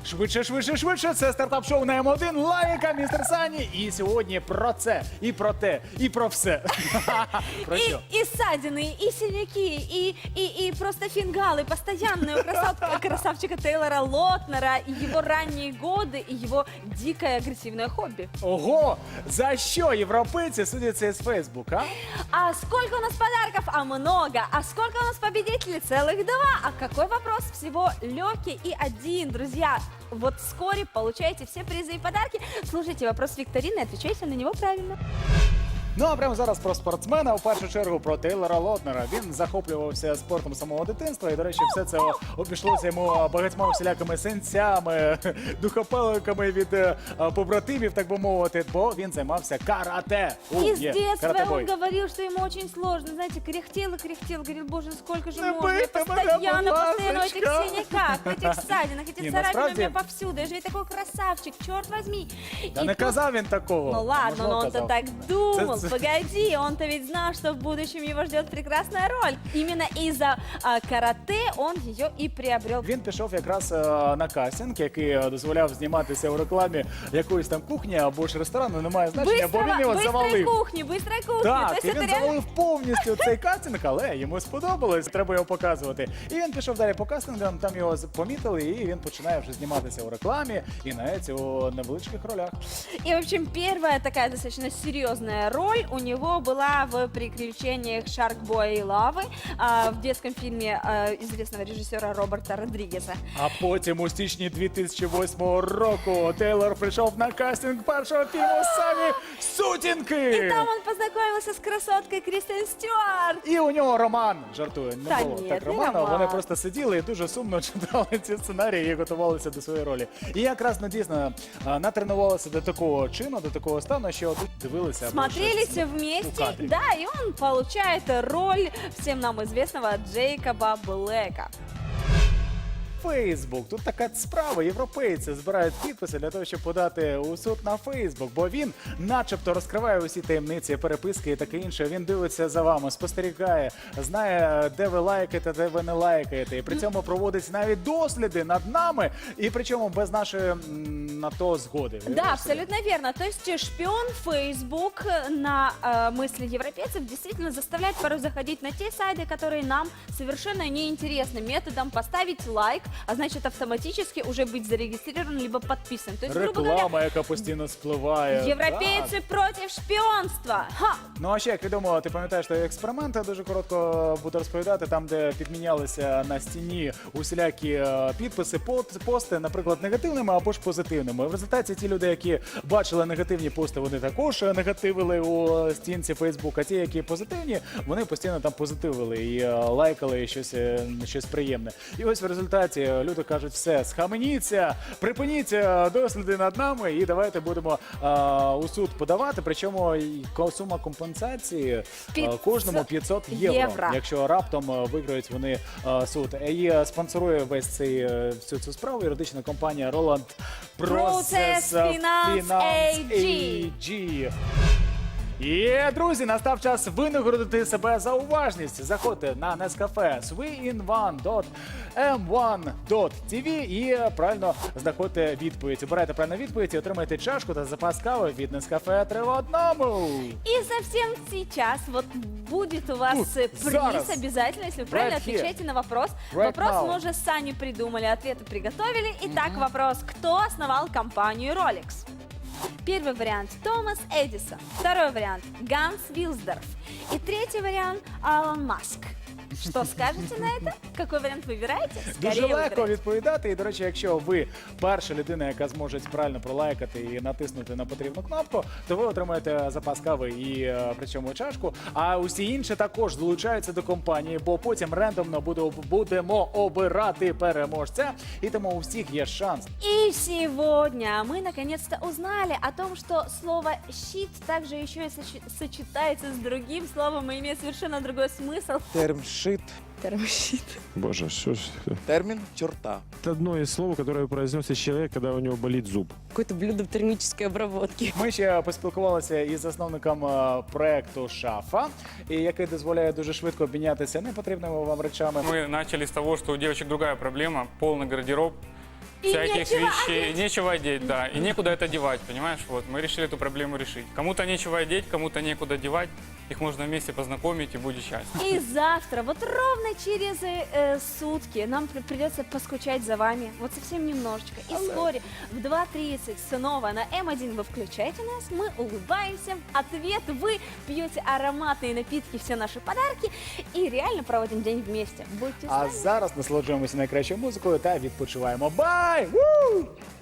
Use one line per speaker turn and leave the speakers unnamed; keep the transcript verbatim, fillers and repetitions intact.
Швидше, швидше, швидше. Це стартап-шоу на М один. Лайка, містер Сані. І сьогодні про це, і про те, і про все. Про що?
И, и ссадины, и синяки, и, и, и просто фингалы постоянные у красав- красавчика Тейлора Лотнера, и его ранние годы, и его дикое агрессивное хобби.
Ого! За що європейці судяться з Фейсбук, а?
А сколько у нас подарков? А много. А сколько у нас победителей? Целых два. А какой вопрос? Всего легкий и один, друзья. Вот вскоре получаете все призы и подарки. Слушайте вопрос викторины и отвечайте на него правильно.
Ну а прямо зараз про спортсмена, в першу чергу про Тейлора Лотнера. Він захоплювався спортом з самого дитинства, і, до речі, все це обійшлося йому багатьма всілякими сенцями, духопеликами від е, побратимів, так би мовити, бо він займався карате. У,
И с
є,
детства
карате-бой.
он говорил, что ему очень сложно. Знаете, кряхтел и кряхтел. Говорил, боже, сколько же
Не
можно. И
бейте меня,
постоянно,
будь
постоянно в этих
ласочка.
синяках, в этих ссадинах, эти
Не,
царапины у
насправді-
меня повсюду. Я же ведь такой красавчик, черт возьми.
Та
И
не
тут-
казав він такого.
Ну ладно,
Можливо,
но он-то
казав.
так думал.
Це- це-
Погоди, он-то ведь знал, что в будущем его ждет прекрасная роль. Именно из-за а, карате он ее и приобрел.
Він пішов якраз е, на кастинг, який е, дозволяв зніматися у рекламі якоїсь там кухні або ж ресторану, немає значення, бо він його
быстрой
завалив.
кухни, быстрой кухни. То
Так,
есть
і
это
він
реально...
завалив повністю цей кастинг, але йому сподобалось, треба його показувати. І він пішов далі по кастингам, там його з- помітили, і він починає вже зніматися у рекламі і навіть у невеличких ролях.
И, в общем, первая такая достаточно серьезная роль у него была в «Приключениях Шаркбоя и Лавы» а, в детском фильме а, известного режиссера Роберта Родригеса.
А потім у січні дві тисячі восьмого року Тейлор прийшов на кастинг першого фільму «Самі сутінки».
И там он познакомился с красоткой Кристен Стюарт.
І у нього роман, жартую, не
Та
було
ні,
так
не
роману,
роман.
вони просто сиділи і дуже сумно читали ці сценарії і готувалися до своєї ролі. І якраз ну, дійсно а, натренувалися до такого чину, до такого стану, що тут дивилися. або
Смотрелись
щось у
вместе,
кадрі.
да, и он получает роль всем нам известного Джейкоба Блэка.
Фейсбук. Тут така справа. Європейці збирають підписи для того, щоб подати у суд на Фейсбук, бо він начебто розкриває усі таємниці, переписки і таке інше. Він дивиться за вами, спостерігає, знає, де ви лайкаєте, де ви не лайкаєте. І при цьому проводить навіть досліди над нами, і причому без нашої м, на то згоди.
Да, абсолютно верно. То есть э, шпион Facebook на э, мысли европейцев действительно заставляет порой заходить на те сайты, которые нам совершенно неинтересны. Методом поставить лайк, а значит автоматически уже быть зарегистрирован либо подписан. То есть, грубо говоря,
Реклама, яка постійно спливає.
европейцы
Так.
против шпионства. Ха!
Ну а ще, як відомо, ти пам'ятаєш той експеримент, я дуже коротко буду розповідати, там, де підмінялися на стіні усілякі е, підписи, пот- пости, наприклад, негативними або ж позитивними. В результаті ті люди, які бачили негативні пости, вони також е, негативили у стінці Фейсбука. Ті, які позитивні, вони постійно там позитивили і е, лайкали і щось, е, щось приємне. І ось в результаті е, люди кажуть, все, схаменіться, припиніть е, досліди над нами і давайте будемо е, у суд подавати. Причому і ко- сума компенсації е,
п'ятсот
кожному п'ятсот євро,
євро.
якщо раптом е, виграють вони е, суд. І е, спонсорує весь цей е, всю цю справу юридична компанія Roland Process
Finance ей джі.
ей джі. І, друзі, настав час винагородити себе за уважність. Заходьте на Nescafe свіінван крапка ем ван крапка ті ві і правильно знаходьте відповідь. Обирайте правильну відповідь і отримайте чашку та запас кави від Nescafe три в одному.
И совсем сейчас вот будет у вас
Тут,
э, приз
зараз.
обязательно, если вы правильно
Right here.
отвечаете на вопрос.
Right
вопрос
now.
мы уже с Саней придумали, ответы приготовили. Итак, вопрос. Кто основал компанию Rolex? Первый вариант – Томас Эдисон. Второй вариант – Ганс Вилсдорф. И третий вариант – Алан Маск. Что скажете на это? Какой вариант выбираете?
Дуже
Скорее
легко
выбирайте.
відповідати. І, до речі, якщо ви перша людина, яка зможе правильно пролайкати і натиснути на потрібну кнопку, то ви отримаєте запас кави і е, причому чашку. А усі інші також долучаються до компанії, бо потім рендомно буде, будемо обирати переможця. І тому у всіх є шанс.
И сегодня мы наконец-то узнали о том, что слово «щит» также еще и сочи- сочетается с другим словом и имеет совершенно другой смысл.
Терм «шит».
Термощит.
Боже, что ж...
Термин «черта».
Это одно из слов, которое произносит человек, когда у него болит зуб.
Какое-то блюдо в термической обработке.
Ми ще поспілкувалися із засновником е, проекту Шафа, і який дозволяє дуже швидко обмінятися непотрібними вам речами.
Мы начали с того, что у девочек другая проблема, полный гардероб.
И
всяких
нечего
вещей, нечего одеть, да, и некуда это девать, понимаешь? Вот, мы решили эту проблему решить. Кому-то нечего одеть, кому-то некуда девать, их можно вместе познакомить и будет счастье.
И завтра, вот ровно через э, сутки, нам при- придется поскучать за вами. Вот совсем немножечко. И вскоре в два тридцать снова на эм один вы включаете нас, мы улыбаемся. Ответ: вы пьете ароматные напитки, все наши подарки и реально проводим день вместе. Будьте с
А
нами.
зараз насолоджуємося найкращою музикою та відпочиваємо. Бай! Ву!